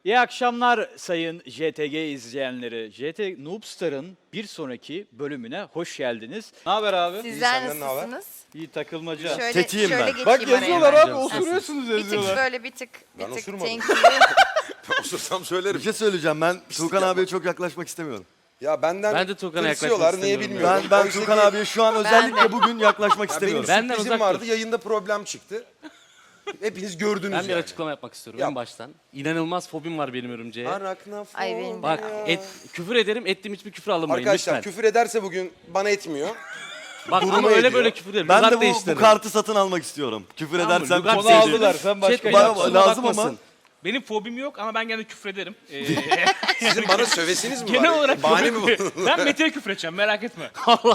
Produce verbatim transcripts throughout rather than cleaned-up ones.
İyi akşamlar sayın J T G izleyenleri. J T Noobstar'ın bir sonraki bölümüne hoş geldiniz. Ne haber abi? Sizler senden ne haber? nasılsınız? İyi takılmaca. Şöyle, Tetiyim şöyle ben. geçeyim Bak araya yazıyorlar ben. abi, osuruyorsunuz Bir tık yazıyorlar. böyle bir tık bir Ben tık osurmadım. tenkili. Osursam söylerim. Bir şey söyleyeceğim, ben Tuğkan yapma. abiye çok yaklaşmak istemiyorum. Ya benden Ben de Tuğkan'a tırsıyorlar, yaklaşmak niye istemiyorum bilmiyorum. Ben ben Oysa Tuğkan ki- abiye şu an özellikle bugün yaklaşmak Ya benim istemiyorum. Benden sürprizim uzak vardı, dur. yayında problem çıktı. Hepiniz gördünüz Ben bir yani. açıklama yapmak istiyorum Yap. en baştan. İnanılmaz fobim var benim örümceğe. Araknafobia. Ay benim de. Bak et, küfür ederim, ettiğim hiçbir küfür alınmayın Arkadaşlar lütfen. küfür ederse bugün bana etmiyor. Bak duruma ama öyle ediyor. böyle küfür ederim. Ben Lügat de bu, bu değiştiririm. kartı satın almak istiyorum. Küfür Tamam mı? edersem Lügat çok Onu değiştiririm. aldılar, sen başka Chat bana Bayağı kusuruma lazım ama. bakmasın. Benim fobim yok ama ben gene küfür ederim. Ee, Sizin bana sövesiniz mi genel var? olarak Bahane mi fobim- bu? Ben Mete'ye küfür edeceğim, merak etme.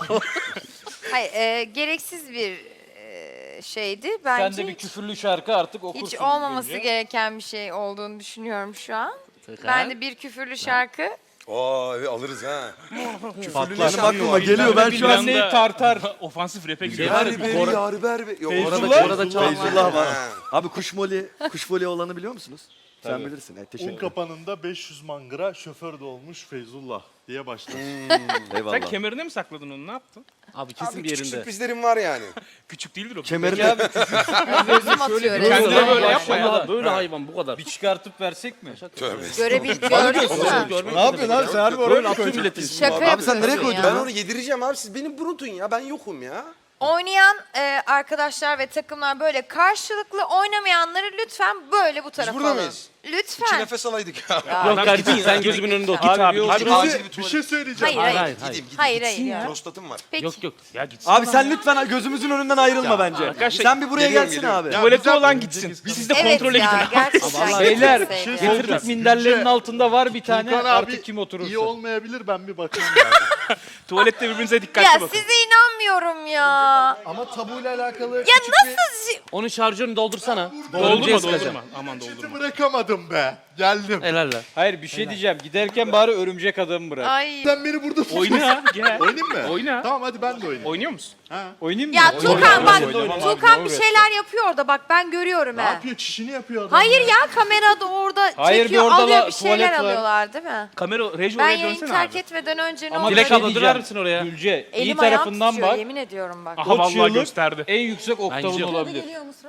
Hayır, e, gereksiz bir e, şeydi. Sen Bence de bir küfürlü şarkı artık okursun. hiç olmaması önce. gereken bir şey olduğunu düşünüyorum şu an. Tuğkan. Ben de bir küfürlü şarkı. Oo evet, alırız ha. Benim aklıma geliyor, ben şu an Bilmem neyi tartar. Ofansif rap'e Şey gidiyor. var ya, Yar beri, Kore- yar beri. Yok, Feyzullah, orada- orada çalan var. Feyzullah var. Ha. Abi kuş moli, kuş moli olanı biliyor musunuz? Sen Tabii. bilirsin. Evet, Un teşekkür ederim. kapanında beş yüz mangra şoför de olmuş Feyzullah diye başlar. Sen Eyvallah. kemerine mi sakladın onu, ne yaptın? Abi kesin Abi bir küçük yerinde. sürprizlerim var yani. Küçük değildir o. Kemerini Gözüm atıyor. böyle- resmen. Kendine böyle Yani. yapma ya. Vallahi böyle hayvan bu kadar. Bir çıkartıp versek mi? Tövbe. Görebil gördün mü? Görmek Ne yapıyorsun abi, sen harbi oraya Böyle mı atıyor koyacaksın? milletin. Şaka Abi sen nereye yapıyorsun koydun ya. Ben onu yedireceğim abi, siz beni brutun ya, ben yokum ya. Oynayan e, arkadaşlar ve takımlar böyle karşılıklı, oynamayanları lütfen böyle bu tarafa burada alın. mıyız? İki Lütfen. nefes alaydık ya. Ya. Yok kardeşim sen gözümün önünde otur. Abi, abi, bir Hadi oturun. acil bir bir tuvalet. şey söyleyeceğim. Hayır Hayır hayır. hayır hayır. Gideyim, gideyim. Hayır hayır ya. Prostatım var. Peki. Yok yok, ya gitsin. Abi sen lütfen gözümüzün önünden ayrılma bence. arkadaşlar, Sen bir buraya geliyorum, gelsin geliyorum. abi. Ya Tuvalette güzel, olan gitsin. Siz de Evet kontrole ya gidin. gerçekten. Beyler, gitmeseydi. şey getirdik soracağım. minderlerin Yüce- altında var bir tane, Tuğkan artık abi kim oturursa. iyi olmayabilir, ben bir bakayım yani. Tuvalette birbirinize dikkatli Ya bakın. size inanmıyorum ya. Ama tabuyla alakalı Ya nasıl? şi- Onun şarjörünü doldursana. Doldurma Örümceğe doldurma. sıkacağım. Aman çeti doldurma. bırakamadım be. Geldim. Helal lan. Hayır, bir şey diyeceğim. Giderken bari örümcek adamı bırak. Ay. Sen beni burada tut. Oyna, gel. Oynayayım mı? Oyna. Tamam hadi ben de oynayayım. Oynuyor musun? Oynayayım mı? Ya Oynayayım. Tuğkan bak, Oynayayım. Oynayayım. Tuğkan bir Doğru. şeyler yapıyor orada bak ben görüyorum Ne he. yapıyor? Çişini yapıyor adam. Hayır ya kamerada orada Hayır, çekiyor bir orada alıyor la- bir şeyler tuvalet var. alıyorlar değil mi? Kamera, reji Ben oraya yayını dönsene terk abi. etmeden önce ne Ama oldu? Dilek bir şey abla, diyeceğim. döner misin oraya? Gülce, iyi Elim ayağım tarafından titriyor bak. yemin ediyorum bak. Aha vallahi çığlık gösterdi. En yüksek oktavın gidiyorum. olabilir.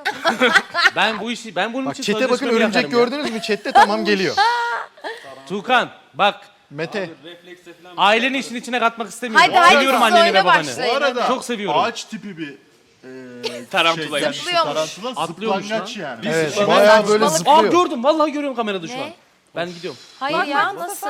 Ben bu işi ben bunun Bak için çete bakın, sözleşmemi örümcek yaparım ya. gördünüz mü? Chat'te tamam geliyor. Tuğkan bak Mete. aileni işin içine katmak istemiyorum. Hadi hadi Seviyorum siz anneni oyuna ve babanı. Bu başlayın. arada Çok seviyorum. ağaç tipi bir e, Tarantula. şey, Zıplıyormuş. tarantula Atlıyormuş zıplangaç yani. Evet, bayağı böyle Saçmalık. Aa zıplıyor. gördüm vallahi görüyorum kamerada şu Ne? an. Ben gidiyorum. Hayır ya nasıl?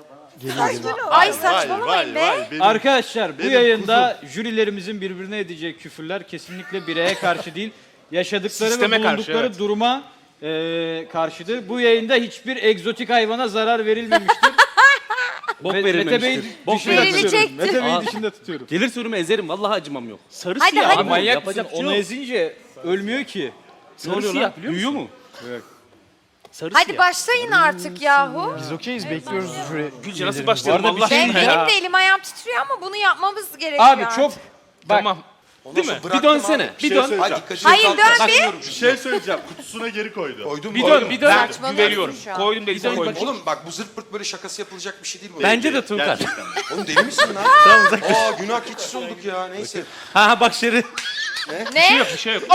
Ay saçmalamayın be. benim- Arkadaşlar bu Benim yayında jürilerimizin birbirine edeceği küfürler kesinlikle bireye karşı değil, yaşadıkları Sisteme ve karşı, bulundukları evet. duruma e, karşıdır. Bu yayında hiçbir egzotik hayvana zarar verilmemiştir. Bok Ve- Mete Bey'i verilmemiştir. Bok dışında verilmemiştir. tutuyorum. Mete Bey'i Aa. dışında tutuyorum. Gelirse önüme ezerim vallahi acımam yok. Sarı Hadi, siyah. hadi. abi, Manyak mısın? yapacak bir şey Onu yok. ezince ölmüyor ki. Ne oluyor lan? Büyüyor mu? Evet. Sarı Hadi siyah. başlayın artık yahu. Biz okeyiz, bekliyoruz jüri. Gülce nasıl üyelerimizi. başlayalım Bu arada bir Allah şey Ben, aşkına benim ya. de elim ayağım titriyor ama bunu yapmamız gerekiyor. Abi çok bak Tamam. Ondan sonra Bir bıraktım dönsene. abi. Bir şey dön. söyleyeceğim. Hadi dikkatini Hayır, kalk- dön kalkmıyorum Bir çünkü. şey söyleyeceğim. Kutusuna geri koydu. Koydum Bir mu? dön, bir dön. Saçmalıyorsun Güveniyorum. şu an. Koydum değilse koydum. Oğlum bak, bu zırt pırt böyle şakası yapılacak bir şey değil bu. Bence de Tuğkan. Gerçekten. Oğlum deli misin lan? Aa günah keçisi olduk ya, neyse. Ha ha bak Şeri. Ne? Yok bir şey yok.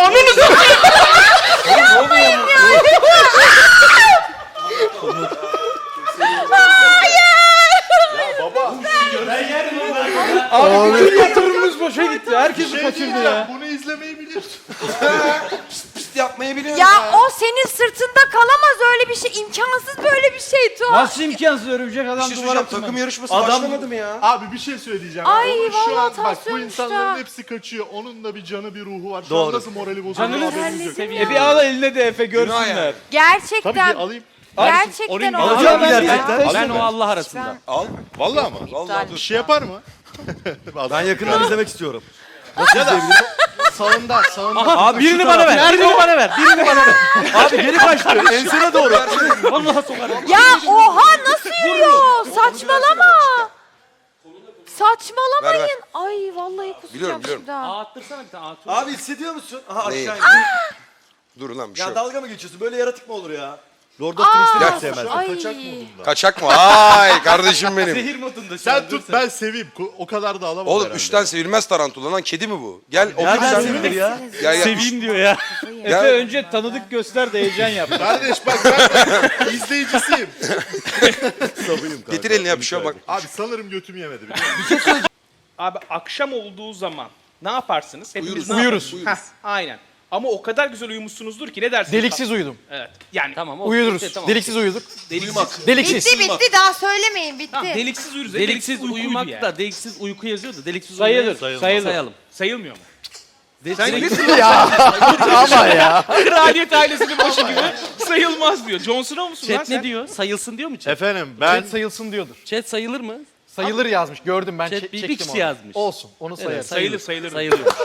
abi bütün yatırımımız boşa gitti. Herkesi Şey kaçırdı diyeceğim, ya. bunu izlemeyi biliyorsun. Pist yapmayı biliyorum Ya ya. o senin sırtında kalamaz öyle bir şey. İmkansız böyle bir şey Tuğ. Nasıl imkansız örümcek Bir adam şey duvara söyleyeceğim, tırmanıyor. takım yarışması Adam- başlamadı mı ya? Abi bir şey söyleyeceğim. Ay, Onun şu vallahi an bak, bu tansiyon insanların düştü. hepsi kaçıyor. Onun da bir canı, bir ruhu var. Şu Doğru. an nasıl morali bozuldu Canını haberiniz yok. E bir al eline de Efe Günah görsünler. yani. Gerçekten. Tabii ki alayım. Gerçekten Orayı olmaz. alacağım ya. gerçekten. Ben o Allah arasında. Al. Vallahi mı? Vallahi Bir şey yapar mı? Ben yakından izlemek istiyorum. Sağında, sağında. Abi Birini şu bana taraf- ver. Birini bana ver. Birini bana ver. Abi geri kaçtı. Ensene doğru. Vallahi sokarım. Ya oha nasıl yürüyor? Saçmalama. Saçmalamayın. Ver, ver. Ay vallahi kusacağım Biliyorum, biliyorum. şimdi ha. Aa attırsana bir tane. Aa, Abi hissediyor musun? Aha Neyi? aşağı indi. Dur lan, bir şey Ya yok. dalga mı geçiyorsun? Böyle yaratık mı olur ya? Lord of the Rings'i Aa, hiç sevmezdim. ay. Kaçak modunda. Kaçak mı? Ay kardeşim benim. Zehir modunda şu Sen an, tut dur ben seveyim. Ko- O kadar da alamam Oğlum herhalde. üçten sevilmez tarantula lan. Kedi mi bu? Gel otur Nereden sen. sevilir ya? Gel gel. Seveyim diyor ya. Efe Gel. önce tanıdık göster de heyecan yap. Kardeş bak ben de izleyicisiyim. Sabıyım kanka. Getir elini yap bir şey yap, bak. Abi sanırım götüm yemedi biliyor musun? Abi akşam olduğu zaman ne yaparsınız? Hepimiz Uyuruz. ne Uyuruz. yaparız? Heh, aynen. Ama o kadar güzel uyumuşsunuzdur ki ne dersiniz? Deliksiz uyudum. Evet. Yani Tamam. o- Uyuduruz. işte, tamam. Deliksiz uyuduk. deliksiz. Deliksiz. Bitti bitti daha söylemeyin bitti. Tamam, deliksiz uyuruz. Deliksiz uykuydu uyumak yani. da deliksiz uyku yazıyor da deliksiz Sayılır, uyumayı sayılır. sayalım. Sayılmıyor mu? Deliksiz Ama ya. Kraliyet ailesinin başı gibi sayılmaz diyor. John Snow musun lan Chat sen? ne diyor? Sayılsın diyor mu chat? Efendim ben Chat sayılsın diyordur. Chat sayılır mı? Sayılır yazmış. Gördüm ben Chat çek- bir- bir çektim kişi onu. yazmış. Olsun. Onu sayarız. Sayılır sayılır. Sayılıyor.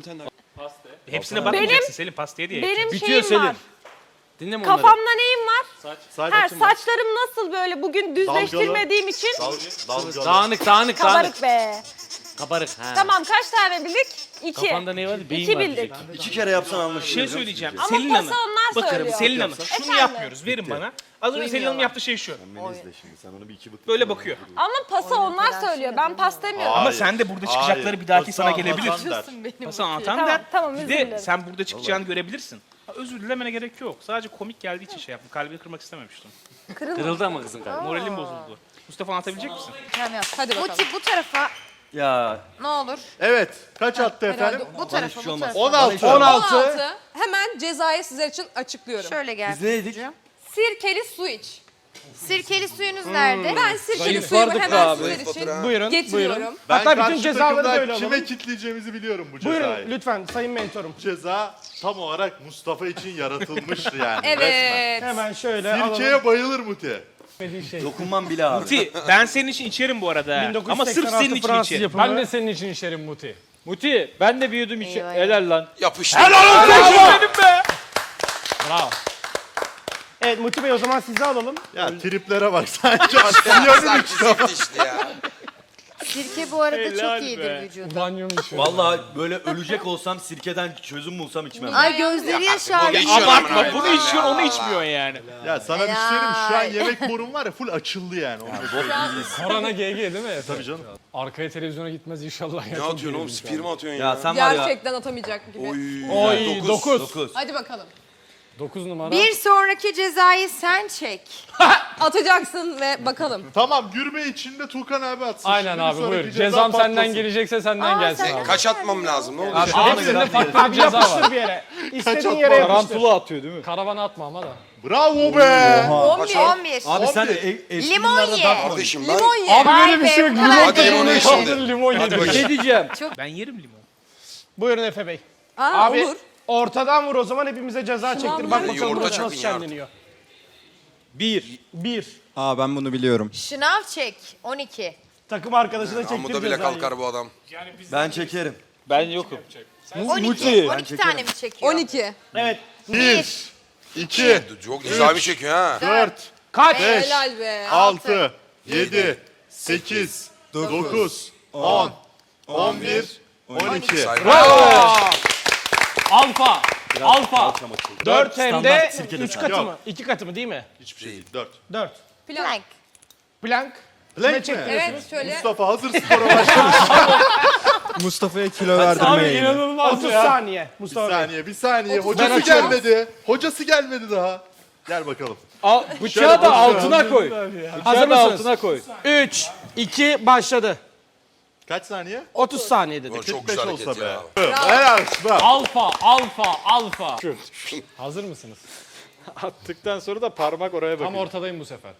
Hepsine bakmayacaksın Selim pastaya diye. Benim Bitiyor şeyim Selim. var. Dinle mi onları? Kafamda neyim var? saç Ha, saçlarım nasıl böyle bugün düzleştirmediğim için dalgalı. Dağınık dağınık dağınık. kabarık be. Kabarık. Ha. Tamam kaç tane bildik? İki. Kafanda ne var? Beyin İki var bildik. diyecektim. İki kere yapsan Bir anlaşılır. şey söyleyeceğim. Ama Selin pası Hanım. onlar Bakarım söylüyor. Selin Hanım. Şunu Efendim? yapmıyoruz. Verin bana. Az önce Selin Hanım yaptığı şey şu. Beni izle şimdi sen onu bir iki bık. Böyle bakıyor. Ama pası onlar söylüyor. Ben pas demiyorum. Ama sen de burada çıkacakları bir dahaki sana gelebilir. gelebilir. Pası anlatan Tamam, der. tamam, Bir özür de dilerim. sen burada çıkacağını görebilirsin. Ha, özür dilemene gerek yok. Sadece komik geldiği için şey yaptım. Kalbini kırmak istememiştim. Kırıldı ama kızın kalbi. Moralim bozuldu. Mustafa anlatabilecek misin? Hadi Muti bu tarafa Ya ne olur. Evet. Kaç attı efendim? Bu tarafa şey bu olmaz. tarafa. on altı. on altı. on altı. Hemen cezayı sizler için açıklıyorum. Şöyle gel. biz neydik? Sirkeli su iç. Sirkeli suyunuz nerede? Ben sirkeli Zayıf suyumu vardık hemen abi. sizler Zayıf için Batur ha. Buyurun. getiriyorum. Buyurun. Ben Hatta bütün karşı cezaları takımdan böyle alalım. kime kitleyeceğimizi biliyorum bu cezayı. Buyurun lütfen sayın mentorum. Ceza tam olarak Mustafa için yaratılmıştı yani. Evet. Hemen şöyle Resmen. alalım. Sirkeye bayılır Muti. Şey. Dokunmam bile abi. Muti ben senin için içerim bu arada. ha. Ama sırf senin için Fransız içerim. yapımı. Ben de senin için içerim Muti. Muti ben de bir yudum içe... Eyvah. Helal lan. Yapıştır. Bravo. Evet Muti Bey o zaman sizi alalım. Ya triplere bak sanki aksiyonun işte. işte ya. Sirke bu arada Helal çok iyidir be. vücuda. Banyom düşüyor. Vallahi böyle ölecek olsam sirkeden çözüm bulsam içmem. Ay gözleri yaşardı. geçiyor Abartma. amına Bunu koyayım içiyor, ya. onu içmiyor yani. Ya sana bir şey söyleyeyim mi? Şu an Helal. yemek borun var ya full açıldı yani. Onu Korona G G değil mi? Tabii canım. Arkaya televizyona gitmez inşallah. Ne atıyorsun oğlum? Spir mi atıyorsun ya? Ya sen var ya. Gerçekten atamayacak gibi. Oy. Oy dokuz. dokuz. Hadi bakalım. dokuz numara. Bir sonraki cezayı sen çek. Atacaksın ve bakalım. Tamam gürme içinde Tuğkan abi atsın. Aynen Şimdi abi bir sonraki buyur. ceza Cezam senden patlasın. gelecekse senden Aa, gelsin sen- abi. Kaç atmam lazım? Ne olacak? Abi hepsinde farklı bir ceza var. bir yere. İstediğin yere yapıştır. Tarantula atıyor değil mi? Karavana atma ama da. Bravo be. on bir. Abi sen On bir. e- eski Limon günlerde ye. dark Kardeşim ben. Limon ye. Abi Vay böyle bir be, şey yok. bu kadar Limon Hadi limonu tadını ye kaldın şimdi. limon Hadi yedim. Bir şey diyeceğim. Ben yerim limon. Buyurun Efe Bey. Aa, Abi olur. ortadan vur o zaman hepimize ceza çektir. Bak vur. bakalım Yumurta burası çakın nasıl ya. şenleniyor. Bir. Bir. Aa ben bunu biliyorum. Şınav çek. on iki. Takım arkadaşına çektir Amuda bile cezayı. kalkar bu adam. Ben çekerim. Ben yokum. on iki. Muti. on iki tane mi çekiyor? on iki. Evet. Bir, iki, Çok güzel bir çekiyor ha. dört, Kaç? beş, Helal be. altı, yedi, sekiz, dokuz, on, on bir, on iki. Alfa. Alfa. Dört hem de Standart sirkeli üç çay. katı Yok. mı? İki katı mı değil mi? Hiçbir şey değil. Dört. Dört. Plank. Plank. Blank mi? Evet şöyle. Mustafa hazır spora başla. Mustafa'ya kilo Abi verdirmeyin. inanılmaz otuz ya. saniye. Bir Mustafa Bey. saniye, bir saniye. Ben Hocası açıyorum. gelmedi. Hocası gelmedi daha. Gel bakalım. Al, bıçağı da altına koy. Hazır Bıçağı da mısınız? altına koy. üç, iki, başladı. Kaç saniye? otuz saniye dedik. Çok kırk güzel beş olsa hareket be. ya. Helal olsun. Alfa, alfa, alfa. Hazır mısınız? Attıktan sonra da parmak oraya Tam bakıyor. ortadayım bu sefer.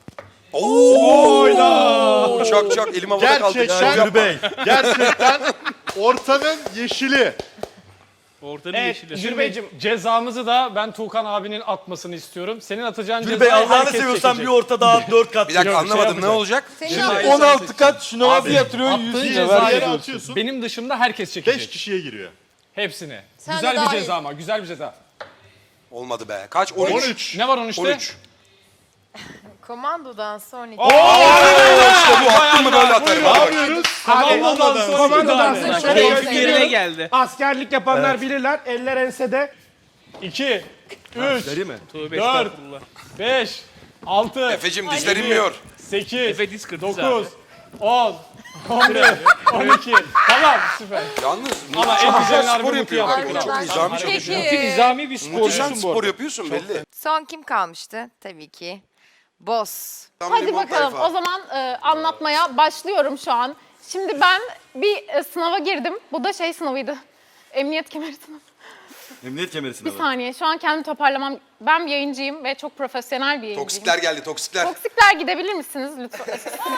Çak çak elim havada kaldı. Gerçekten, Gür Bey. gerçekten ortanın yeşili. Ortanın Evet, yeşili. Jür Beyciğim cezamızı da ben Tuğkan abinin atmasını istiyorum. Senin atacağın Gül cezayı Bey Allah'ını herkes seviyorsan bir çekecek. orta daha dört kat. Bir dakika Yok, anlamadım şey ne olacak? Senin Şimdi abi. on altı kat şuna nasıl yatırıyor? Attığın Yere cezayı atıyorsun. benim dışımda herkes Beş çekecek. kişiye giriyor. Hepsini. Sen güzel de bir dahil. ceza ama güzel bir ceza. Olmadı be. Kaç? on üç. on üç. Ne var on üçte? on üç. Komandodan son iki. İşte bu attın mı böyle atarım. Ne Hadi bak. yapıyoruz? Komandodan sonra Komandodan sonra sonra şöyle Keyfim yerine geldi. askerlik yapanlar bilirler. Eller ensede. iki, üç, Şey Tövbe Dört. estağfurullah. beş, altı, Efe'cim dizler inmiyor. sekiz, Efe diz kırdı dokuz, on, on bir, on iki. Tamam süper. Yalnız Ama Muti en çok güzel güzel spor harbi yapıyor. Muti Bak, yaptı. çok nizami Peki. çalışıyor. Muti nizami bir Muti sen sporcusun bu spor arada. yapıyorsun belli. Son kim kalmıştı? Tabii ki. Boss. Tam Hadi limon bakalım tayfa. o zaman e, anlatmaya başlıyorum şu an. Şimdi ben bir e, sınava girdim. Bu da şey sınavıydı. Emniyet kemeri sınavı. Emniyet kemeri Bir sınavı. saniye şu an kendimi toparlamam. Ben bir yayıncıyım ve çok profesyonel bir yayıncıyım. Toksikler geldi toksikler. Toksikler gidebilir misiniz lütfen?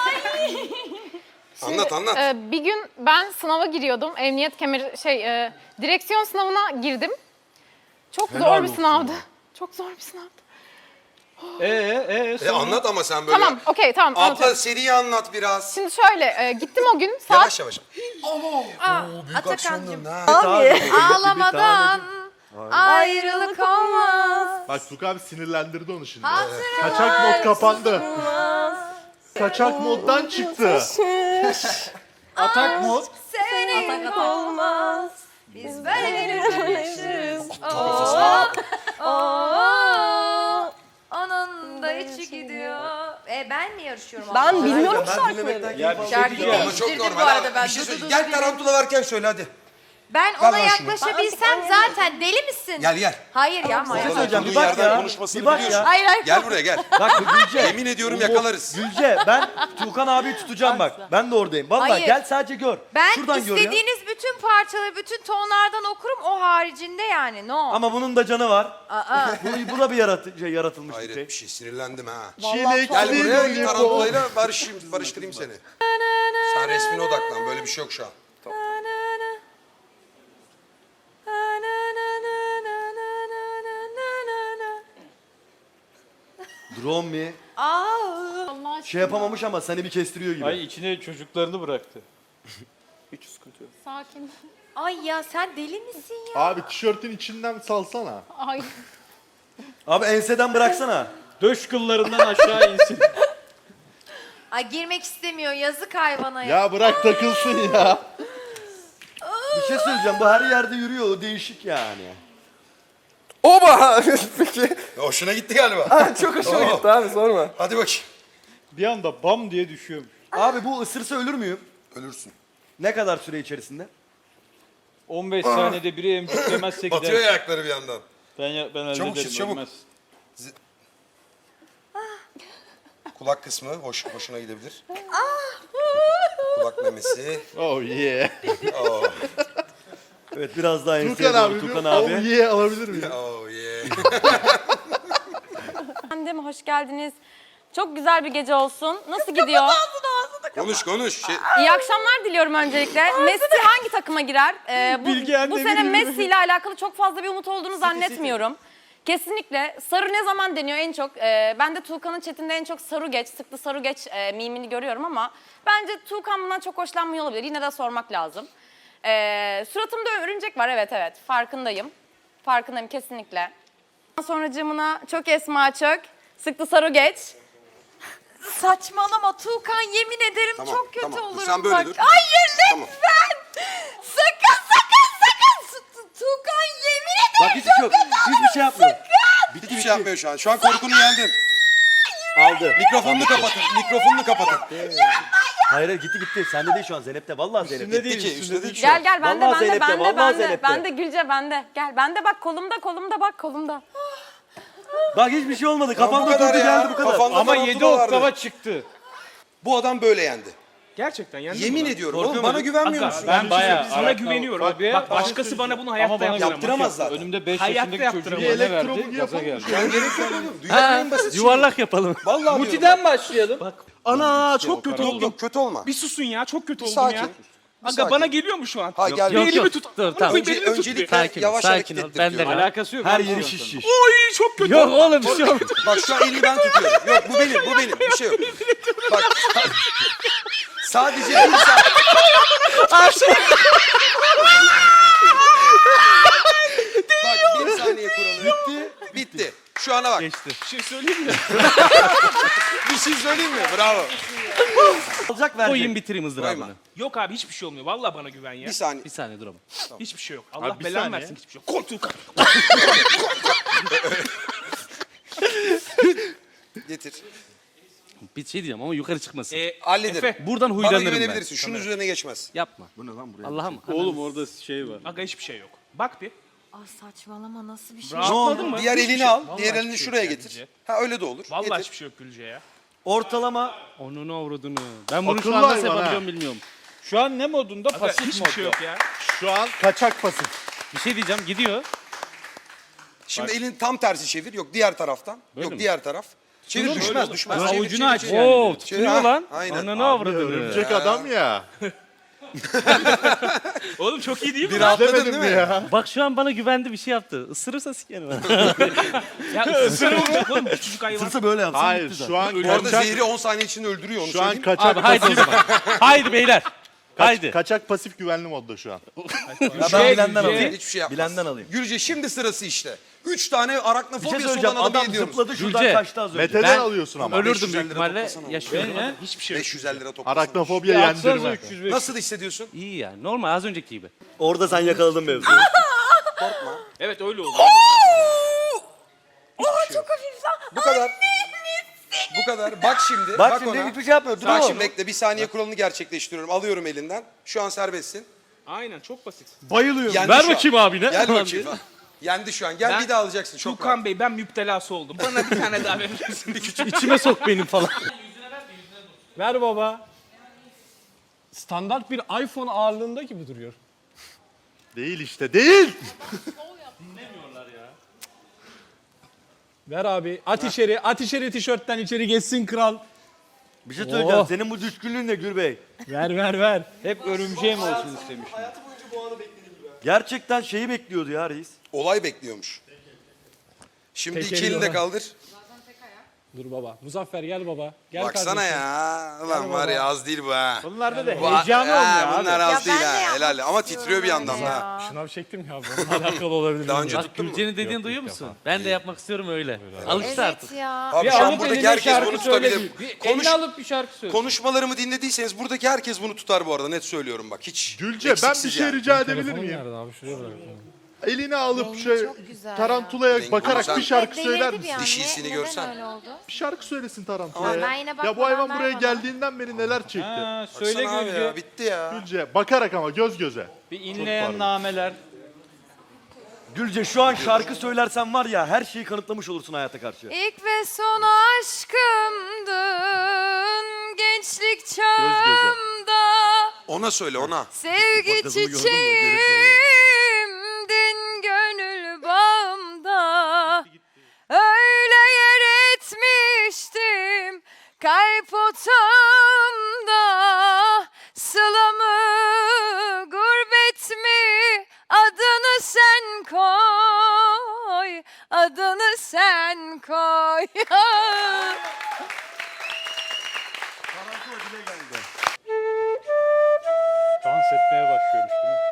Anlat anlat. Ee, bir gün ben sınava giriyordum. Emniyet kemeri şey e, direksiyon sınavına girdim. Çok zor bir sınavdı. Çok zor bir sınavdı. Ee, ee, E, anlat ama sen böyle. Tamam, okey, tamam. Abla anlatıyorum. seriyi anlat biraz. Şimdi şöyle e, gittim o gün saat Yavaş yavaş. Atakan'cığım. Abi. Ağlamadan ayrılık olmaz. Bak Tuğkan abi sinirlendirdi onu şimdi. Hatırlar Kaçak mod kapandı. Kaçak moddan çıktı. atak mod. Sevmek olmaz. Biz böyle görüşürüz. Oo, oo, onun da içi gidiyor. E ben mi yarışıyorum? Ben Allah? bilmiyorum Ben şarkıları. dinlemekten Ya keyif bir şey alıyorum. Şarkıyı Ama çok değiştirdim normal. bu arada ha. ben. Bir şey Dur, söyle. dur, Gel dur. tarantula varken söyle hadi. Ben Ver ona lan şunu. yaklaşabilsem zaten deli misin? Gel gel. Hayır ya. hayır. Oturduğun bir bak yerden ya. konuşmasını Bir bak biliyorsun. ya. Hayır hayır. Gel buraya gel. Bak Gülce. Yemin ediyorum yakalarız. Gülce ben Tuğkan abiyi tutacağım bak. Ben de oradayım. Vallahi Hayır. gel sadece gör. Ben Şuradan gör ya. istediğiniz bütün parçaları, bütün tonlardan okurum. O haricinde yani. No. Ama bunun da canı var. Aa. Bu, bu da bir yaratı, şey, yaratılmış bir Hayret şey. bir şey sinirlendim ha. Çilekli Gel buraya lollipop. tarantulayla barışayım, barıştırayım seni. Sen resmine odaklan böyle bir şey yok şu an. Drone mi? Aa. Şey yapamamış ama seni bir kestiriyor gibi. Ay içine çocuklarını bıraktı. Hiç sıkıntı yok. sakin. Ay ya sen deli misin ya? Abi tişörtün içinden salsana. Ay. Abi enseden bıraksana. Döş kıllarından aşağı insin. Ay girmek istemiyor. Yazık hayvana ya. Ya bırak takılsın ya. Bir şey söyleyeceğim. Bu her yerde yürüyor. O değişik yani. Oba! Peki. Hoşuna gitti galiba. Çok hoşuma gitti abi sorma. Hadi bakayım. Bir anda bam diye düşüyormuş. Abi bu ısırsa ölür müyüm? Ölürsün. Ne kadar süre içerisinde? on beş saniyede biri emciklemezse Batıyor gider. ayakları bir yandan. Ben, ya- ben hallederim. Çabuk çiz, çabuk. ölmez. Kulak kısmı hoş, hoşuna gidebilir. Kulak memesi. Oh yeah. Oh, Evet biraz daha enseye Tuğkan doğru abi. Tuğkan Oh abi. yeah alabilir miyim? oh yeah. Efendim hoş geldiniz. Çok güzel bir gece olsun. Nasıl gidiyor? Konuş konuş. Şey, İyi akşamlar diliyorum öncelikle. Messi hangi takıma girer? Ee, bu, Bilge anne bu sene biliyor. Messi ile alakalı çok fazla bir umut olduğunu zannetmiyorum. Kesinlikle. Sarı ne zaman deniyor en çok? Ee, ben de Tuğkan'ın chatinde en çok Saru geç, sıklı Saru geç e, mimini görüyorum ama bence Tuğkan bundan çok hoşlanmıyor olabilir. Yine de sormak lazım. Ee, suratımda örümcek var, evet evet. Farkındayım. Farkındayım kesinlikle. Sonracığımına çok esma çök, sıklı Saru geç. Saçmalama Tuğkan, yemin ederim Tamam, çok kötü tamam. Dur, olurum sen böyle bak. dur. Hayır lütfen. Tamam. Sakın sakın sakın. Tu- Tuğkan yemin ederim Bak hiç yok. Hiçbir şey yapmıyor. hiçbir şey yapmıyor şu an. Şu an korkunu yendin. Aldı. Mikrofonunu kapatın. Mikrofonunu kapatın. Hayır hayır gitti gitti. Sende değil şu an Zeynep'te. Vallahi Zeynep'te. Üstünde değil, ki, üstünde üstünde değil. değil. Gel gel bende Vallahi bende Zeynep'te, bende vallahi bende. Zeynep'te. Bende Gülce bende. Gel bende bak kolumda kolumda bak kolumda. Bak hiçbir şey olmadı. Kafamda bu kadar durdu ya. geldi bu kadar. Kafanda Ama tarantula yedi vardı. oktava çıktı. Bu adam böyle yendi. Gerçekten yani. Yemin ediyorum. Korkuyor Oğlum bana musun? güvenmiyor Aga, musun? Ben bayağı sana Arak- güveniyorum. Tabii. Bak başkası bana bunu hayatta Ama bana yaptıramaz. Yaptıramaz zaten. Önümde beş Hayatta yaşındaki çocuğu yaptıramam. yerine Elektrobugu verdi. Gaza yapalım. geldi. Şu an gerek yok oğlum. Dünyanın en basit şeyi. Yuvarlak yapalım. Vallahi diyorum. Muti'den başlayalım. Ana çok kötü Yok oldum. yok kötü olma. Bir susun ya, çok kötü Bir oldum ya. sakin. Bir Aga sakin. bana geliyor mu şu an? Ha gel. Bir elimi yok. tut. Dur, Bunu tamam. koy, Önce, belimi tut bir. öncelikle Sakin ol, yavaş sakin hareket ol. ettir Ben de diyorum. var. Alakası yok. Her abi yeri şu an şiş sana. şiş. Oy çok kötü Yok oldum. oğlum bir şey olmaz. Bak şu an elini ben tutuyorum. Yok bu benim, bu benim. Bir şey yok. Bak sadece bir saat. Bak bir saniye kuralı. Bitti. Bitti. Şu ana bak. Geçti. Bir şey söyleyeyim mi? Bir şey söyleyeyim mi? Bravo. Alacak verecek. Koyayım bitireyim ızdırabını. Koyma. Yok abi hiçbir şey olmuyor. Vallahi bana güven ya. Bir saniye. Bir saniye dur ama. Hiçbir şey yok. Allah Abi bir belanı saniye. versin hiçbir şey yok. Koltuğu Getir. Bir şey diyeceğim ama yukarı çıkmasın. E, Hallederim. Efe. Buradan Bana huylanırım ben. güvenebilirsin. Şunun üzerine geçmez. Yapma. Bu ne lan buraya? Allah'ım. Oğlum orada şey var. Aga hiçbir şey yok. Bak bir. Aa, saçmalama nasıl bir şey? Rahatladın mı? Diğer Hiçbir elini şey- al. Vallahi Diğer hiçbir elini şey şuraya yok getir. Gülce. Ha öyle de olur. Vallahi Getir. hiçbir şey yok Gülce ya. Ortalama Onunu avradını. Ben bunu şu Akıllı an nasıl hayvan ha. yapabiliyorum bilmiyorum. Şu an ne modunda? Aga Pasif hiçbir modda. şey yok ya. Şu an kaçak pasif. Bir şey diyeceğim gidiyor. Şimdi elini tam tersi çevir. Yok diğer taraftan. Böyle Yok mi? diğer taraf. Çevir Böyle düşmez olur. düşmez. Böyle Çevir, avucunu çevir, aç çevir. yani. Oo Çevir, tutuyor ha, lan. aynen. Ananı avradını. Örümcek adam ya. Oğlum çok iyi değil mi? Bir rahatladın Demedim değil mi mi? ya? Bak şu an bana güvendi bir şey yaptı. Isırırsa sikerim. Ya ısırılmayacak oğlum küçücük hayvan. sırsa böyle yapsam Hayır bitti zaten. şu an Bu arada kaçak, zehri on saniye içinde öldürüyor onu şu an söyleyeyim. kaçak Abi haydi pasif. haydi beyler. Haydi. Kaçak pasif güvenli modda şu an. Ya ben Şey, bilenden şey- alayım. Hiçbir şey yapmaz. Bilenden alayım. Gülce şimdi sırası işte. Üç tane Bir şey araknofobiyası söyleyeceğim. olan adamı Adam yediyoruz. zıpladı şuradan Gülce, kaçtı az önce. Mete'den Ben alıyorsun ama. Ölürdüm beş yüz büyük elli lira ihtimalle. toplasana. Yaşıyorum. Hiçbir şey yok. beş yüz elli lira toplasana. Araknofobiya Yaksanıza yendirme. üç yüz beş. Nasıl hissediyorsun? İyi yani. Normal az önceki gibi. Orada sen yakaladın mevzuyu. Evet öyle oldu. Aa, çok hafif lan. Bu kadar. Bu kadar. Bak şimdi. Bak Bak şimdi ona. hiçbir şey yapmıyor. Dur Bak oğlum. şimdi bekle. Bir saniye kuralını gerçekleştiriyorum. Alıyorum elinden. Şu an serbestsin. Aynen çok basit. Bayılıyorum. Yendi Ver şu an. bakayım abine. Gel Falan bakayım. diye. Yendi şu an. Gel Ben- bir daha alacaksın. Çok rahat. Tuğkan Bey ben müptelası oldum. Bana bir tane daha verir misin? İçime sok benim falan. Ver baba. Standart bir iPhone ağırlığında gibi duruyor. Değil işte değil. Ver abi. At içeri. At içeri tişörtten içeri geçsin kral. Bir şey söyleyeceğim. Oh. Senin bu düşkünlüğün ne Gürbey? Ver ver ver. Hep örümceğim olsun istemiş. Gerçekten şeyi bekliyordu ya reis. Olay bekliyormuş. Şimdi Tek iki eli elini de ona. kaldır. Dur baba. Muzaffer gel baba. Gel Baksana kardeşim. ya. Ulan var ya az değil bu ha. Bunlarda da Bu- heyecan Ha, olmuyor Bunlar abi. az Ya değil ben de ha. yapmak Helal. Ama istiyorum titriyor bir yandan öyle da. ya. Şınav çektim ya. Bununla alakalı olabilir. Daha önce Bak tuttun mu? Gülce'nin dediğini duyuyor musun? Ben de yapmak istiyorum öyle. Alıştı Evet artık. ya. Abi Bir şu an alıp buradaki eline herkes şarkı bunu söyle. tutabilir. Bir Konuş, elini alıp bir şarkı söyle. konuşmalarımı dinlediyseniz buradaki herkes bunu tutar bu arada. Net söylüyorum bak. Hiç Gülce ben bir eksiksiz şey yani. rica edebilir Telefonum miyim? nerede abi? Şuraya bırak. Elini alıp Rengi şey çok güzel tarantulaya Rengi bakarak güzel. bir şarkı Delirdi söyler bir misin? an. Dişisini Ne- görsen. Neden öyle oldu? Bir şarkı söylesin tarantulaya. Ama ben yine Ya bu bakmadan hayvan ver buraya bana. geldiğinden beri neler çekti. Ha, söyle Baksana abi Gülce. ya, bitti ya. Gülce bakarak ama göz göze. Bir Çok inleyen pardon. nameler. Gülce şu an şarkı söylersen var ya her şeyi kanıtlamış olursun hayata karşı. İlk ve son aşkımdın gençlik çağımda. Ona söyle ona. Sevgi Bak kızımı gördün mü? çiçeğimdin gönül bağımda. Öyle yer etmiştim kalp otağımda. Sıla mı gurbet mi adını sen koy. Adını sen koy. Dans etmeye başlıyormuş değil mi?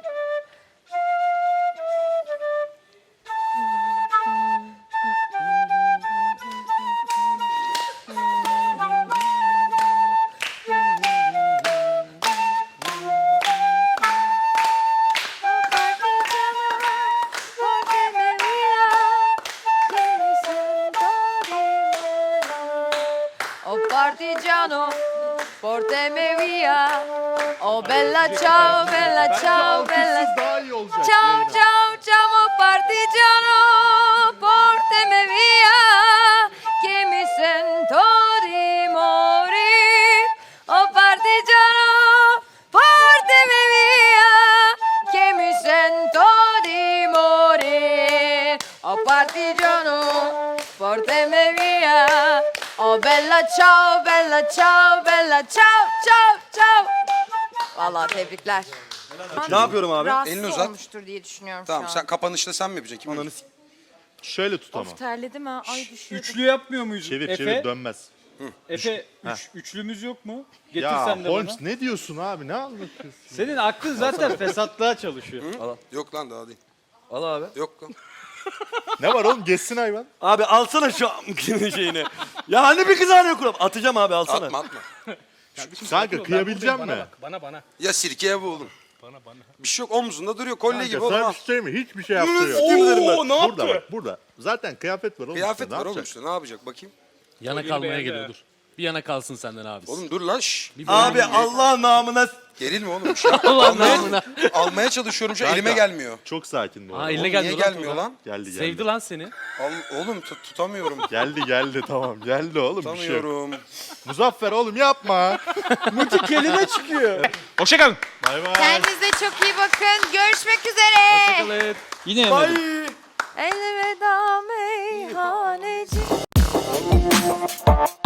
Oh partigiano, portami via. Oh bella ciao, bella ciao, bella Alkışsız daha iyi olacak. ciao, yayına. ciao, ciao, oh partigiano, portami via. Che mi sento di morir. Oh partigiano, portami via. Che mi sento di morir. Oh partigiano, portami via. Oh bella ciao, bella ciao, bella ciao, ciao, ciao. Vallahi tebrikler. Ne yapıyorum abi? Rahatsız Elini uzat. olmuştur diye düşünüyorum Tamam şu an. sen kapanışta sen mi yapacaksın? Kim Ananı yapacak? Şöyle tut ama. Of terledim ha. Ay düşüyordum. Üçlü yapmıyor muyuz? Çevir Efe, çevir dönmez. Efe üç, üçlümüz yok mu? Getir Ya sen de Holmes bana. ne diyorsun abi ne anlatıyorsun? Senin aklın zaten fesatlığa çalışıyor. Yok lan daha değil. Al abi. Yok lan. Ne var oğlum geçsin hayvan. Abi alsana şu şeyini. Ya hani bir kızarıyor kuram. Atacağım abi alsana. Atma atma. Kanka kıyabileceğim Bana mi? bak bana bana. Ya sirke ya bu oğlum. Bana bana. Bir şey yok omzunda duruyor kolye Kanka, gibi oğlum. sana ha. bir şey söyleyeyim mi? Hiçbir şey yaptığı yok. Oo, ne Burada bak burada. Zaten kıyafet var oğlum. Kıyafet üstünde, var ne oğlum yapacak? üstüne ne yapacak bakayım. Yana Kolyeyi kalmaya beğendi geliyor ha. dur. Bir yana kalsın senden abi. Oğlum dur lan şşş. Abi Allah namına Gerilme oğlum. Bir şey Allah almaya, namına. almaya çalışıyorum şu an, Kanka. elime gelmiyor. Çok sakin bu Aa arada. eline Oğlum geldi. niye gelmiyor lan? Geldi geldi. Sevdi lan seni. Al, oğlum tut- tutamıyorum. Geldi geldi tamam. Geldi oğlum bir şey yok. Tutamıyorum. Muzaffer oğlum yapma. Muti kelime çıkıyor. Hoşçakalın. Bay bay. Kendinize çok iyi bakın. Görüşmek üzere. Hoşçakalın. Yine yemedim. Elveda meyhaneci.